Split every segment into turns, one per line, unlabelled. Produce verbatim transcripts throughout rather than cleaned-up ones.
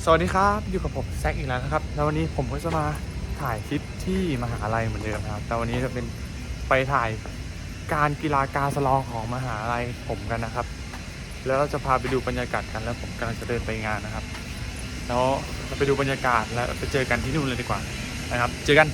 วัสดีครับอยู่กับผมแซคอีกแล้วนะครับแล้ววันนี้ผมก็จะมาถ่ายคลิปที่มหาลัยเหมือนเดิมครับแต่วันนี้จะเป็นไปถ่ายการกีฬากาสลองของมหาลัยผมกันนะครับแล้วเราจะพาไปดูบรรยากาศกันแล้วผมกำลังจะเดินไปงานนะครับแล้วเราไปดูบรรยากาศแล้วไปเจอกันที่นู่นเลยดีกว่านะครับเจอกัน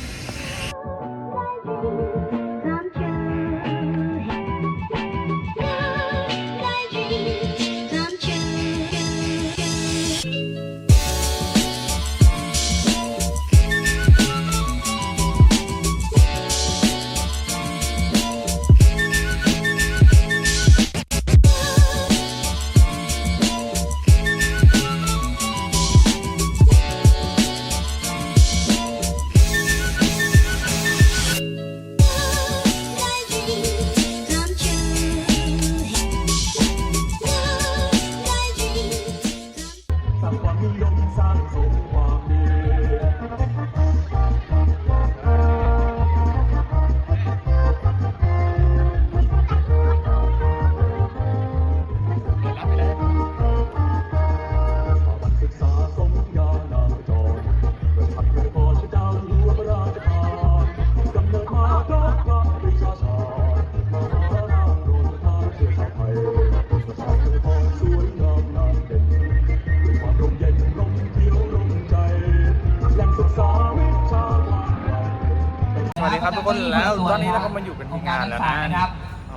สวัสดีครับทุกคนแล้วตอนนี้เราก็มาอยู่กันที่งานแล้วนะครับ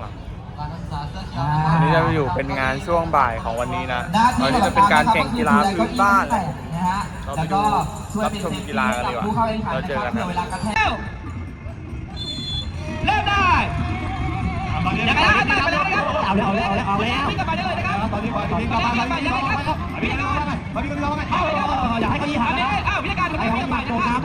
วันนี้จะมาอยู่เป็นงานช่วงบ่ายของวันนี้นะตอนนี้จะเป็นการแข่งกีฬาพื้นบ้านเราไปดูรับชมกีฬากันดีกว่าเราเจอกันนะ
เริ่มได้ยังไงนะไปเลยนะครับเอาเลยเอาเลยเอาเลยเอาแล้ววิ่งกันไปได้เลยนะครับตอนนี้วิ่งกันไปยังไงครับวิ่งกันไปวิ่งกันไปวิ่งกันไปอยากให้เขายีหาเลยอ้าววิธีการวิ่งกันไปนะครับ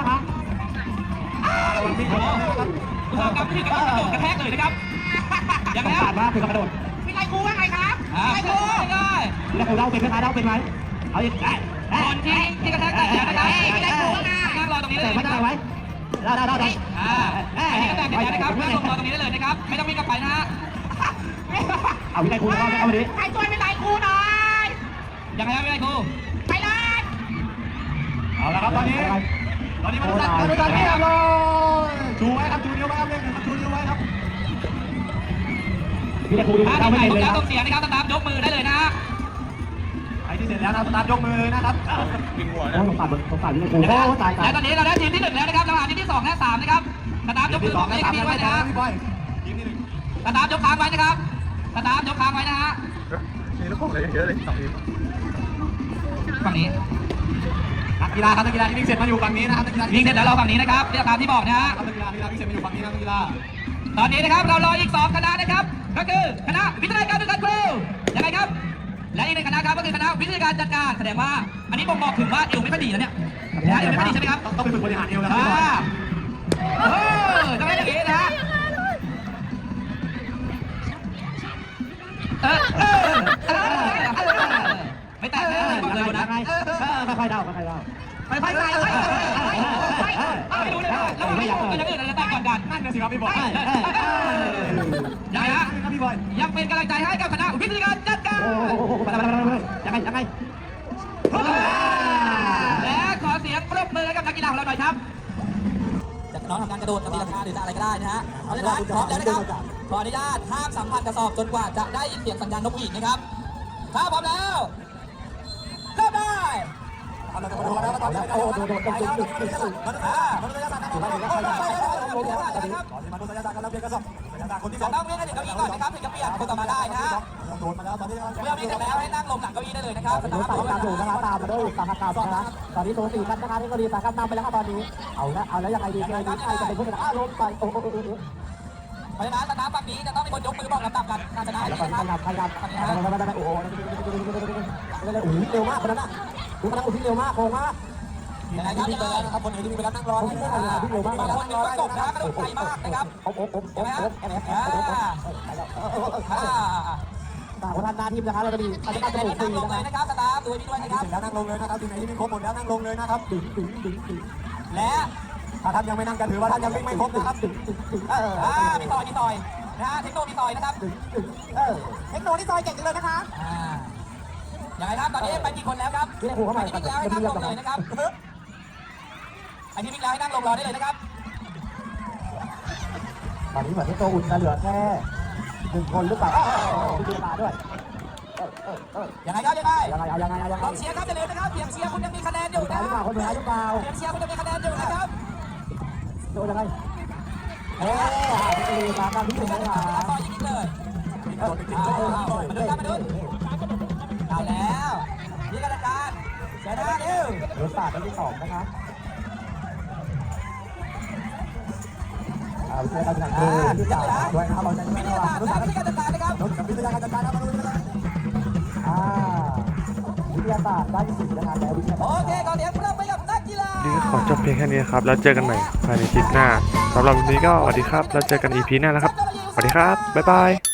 ผู้ทำการวิ่งกันกระโดดกระแทกเลยนะครับยังไงผ่านมาคือกระโดดมีใครครูว่าไงครับใครครูเลยแล้วครูเล่าเป็นไหมคะเล่าเป็นไหมเอาอีกได้คนที่ที่กระแทกแต่นะครับมีใครครูว่าไงนั่งรอตรงนี้เลยไม่ได้ไว้เราเราเราได้อ่าอันนี้ก็แต่งกันนะครับนั่งรอตรงนี้ได้เลยนะครับไม่ต้องวิ่งกันไปนะฮะเอาวินัยครูเข้าเข้ามาดิใครช่วยวินัยครูหน่อยยังไงครับวินัยครูไปเลยเอาละครับตอนนี้ตอนนี้มันตัดกันตอนนี้ครับชูไว้ครับชูนิ้วไว้ครับเล่นครับชูนิ้วไว้ครับวินัยครูดูเข้าไม่ได้เลยครับต้องเสียงนะครับสตาร์ทยกมือได้เลยนะใครที่เสร็จแล้วนะสตาร์ทยกมือเลยนะครับ
ปิงหัวนะ
ผมตัดผมตัดวินัยครูโอ้ตายตายแล้วตอนนี้เราได้ทีมที่หนึ่งแล้วนะครับเราหาทีมที่สองและสามนะครับสตาร์ทยกมือให้กับทีมไว้นะทีมที่หนึ่งสตาร์ทยกค้างไว้นะครับสตาร์ทยกค้างไว้นะฮะ
มีลูกโป่งเลยเยอะเลยสองทีม
ฝั่งนี้นักกีฬาครับนักกีฬาที่วิ่งเสร็จมาอยู่ฝั่งนี้นะครับวิ่งเสร็จแล้วเราฝั่งนี้นะครับเรียกตามที่บอกนะฮะนักกีฬานักกีฬาวิ่งเสร็จมาอยู่ฝั่งนี้นักกีฬาตอนนี้นะครับเรารออีกสองคณะนะครับก็คือคณะวิทยาการจัดการครูยังไงครับและอีกหนึ่งคณะครับก็คือคณะวิทยาการจัดการแสดงว่าอันนี้บ่งบอกถึงว่าเอวไม่ค่อยดีแล้วเนี่ยเอวไม่ค่อยดีใช่ไหมครับต้องไปฝึกบริหารเอวแล้วเออจะไม่ได้อย่างนี้นะเออเออไม่แตกเลยบอกเลยนะค่อยๆเดาค่อยๆเดาค่อยๆใส่ไม่รู้เลยแล้วไม่อยากก็ยังอื่นอะไรแต่ก่อนกันนั่นนะสิครับพี่บอยยังไงฮะพี่บอยยังเป็นกำลังใจให้กับคณะวิทยาการจัดการยังไงยังไงและขอเสียงปรบมือให้กับนักกีฬาของเราหน่อยครับจะน้องทำการกระโดดตีลังกาหรืออะไรก็ได้นะฮะเอาเลยนะพร้อมแล้วนะครับขออนุญาตห้ามสัมผัสกระสอบจนกว่าจะได้ยินเสียงสัญญาณนกหวีดนะครับถ้าพร้อมแล้วเริ่มได้เอาละครับเอาละครับโอ้โหโดดโดดโดดโดดโดดโดดมันอ่ามันระยะสั้นนะครับมันระยะสั้นนะครับตอนนี้มันระยะสั้นกันแล้วเพียงกระสอบระยะสั้นคนที่สองต้องเล่นให้ถึงเก้าอี้ก่อนนะครับถึงจะเปลี่ยนคนต่อมาได้นะโดดมาแล้วตอนนี้เมื่อมีเสร็จแล้วให้นั่งลงหลังเก้าอี้ได้เลยนะครับตอนนี้ฝ่ายการถูกนะครับตามมาด้วยสาขาการนะครับตอนนี้โซนสี่กันนะคะที่ก็ดีสาขาตามไปแล้วครับตอนนี้เอาละเอาแล้วยังไงดียังไงดีใครจะเป็นผู้ชนะลงไปโอ้โหเพราะฉะนั้นสตาร์ทฝั่งนี้จะต้องมีคนยกมือบอกลำดับกันการชนะนะครับใครครับใครครับโอ้โหโอ้โหเร็วมากคนนั้นอ่ะดูคนนั้นอุ้ยเร็วมากโค้งมากยังไงครับยังไงครับคนไหนที่มีเวลานั่งรอที่เร็วมากคนนึงก็จบนะกระโดดไกลมากนะครับโอ้โหโอ้โหโอ้โหแอนแอนตาคนนั้นหน้าทีมนะคะเราจะมีการจัดการนั่งลงเลยนะครับสตาร์ทดูนี่ด้วยนะครับแล้วนั่งลงเลยนะครับทีมไหนที่มีครบหมดแล้วนั่งลงเลยนะครับดึงดึงดึงดึงและถ้าท่านยังไม่นั่งกันถือว่าท่านยังวิ่งไม่ครบนะครับดึงดึงดึงเอออ่ามีต่อยมีต่อยนะฮะเทคโนมีต่อยนะครับดึงดึงเออเทคโนนี่ต่อยเก่งจังเลยนะคะอ่ายังไงครับตอนนี้ไปกี่คนแล้วครับ
เรียกครูเข้ามา
ไอ้ที่วิ่งแล้วให้นั่งลงเลยนะครับไอ้ที่วิ่งแล้วให้นั่งลงรอได้เลยนะครับ
ตอนนี้เหมือนที่ตัวอุ่นจะเหลือแค่หนึ่งคนหรือเปล่ามีเวลาด้วยเออเออเออ
ยังไงครับยังไง
ยังไงยังไงยังไง
กองเชียร์ครับอย่าลืมนะครับเสียงเชียร์คุณยังมีคะแนนอยู่
หรือ
นะ
เปล่าคนเหนือหรือเปล่า
เสียงเชียร์คุณยังมีคะแนนอยู่นะครับ
โดนยังไงเอ๊ะจะมีมาการที่หนึ่งเลยค่ะ
ต่อยิงเลยเอาเอามาดูครับมาดูได้แล้วนี่กรรมการเสียหน้าเร็ว
เดือดปาดที่สองนะคะเอาเชื่อกันนะที่จ่ายด้วยนะครับเราจะ
วิ
ไม่
ท
ระ
ยา
วั
ศาง สตร์
รู้
และ
จัก
วิทยาการจัดการนะครับ
รู้จักวิทยาการจัดการนะมาดูกันอ่าวิทยาศาสตร์ได้ที่สิบนะครับแล้ววิทยา
โอ
ศาสตร์
เคก่อนเดี๋ยวเราไปกับนักกีฬา
นี่ขอจบเพียงแค่นี้ครับ แล้วเจอกันใหม่ภายในคลิปหน้าสำหรับวันนี้ก็สวัสดีครับ แล้วเจอกัน อี พี หน้านะครับ สวัสดีครับ บ๊ายบาย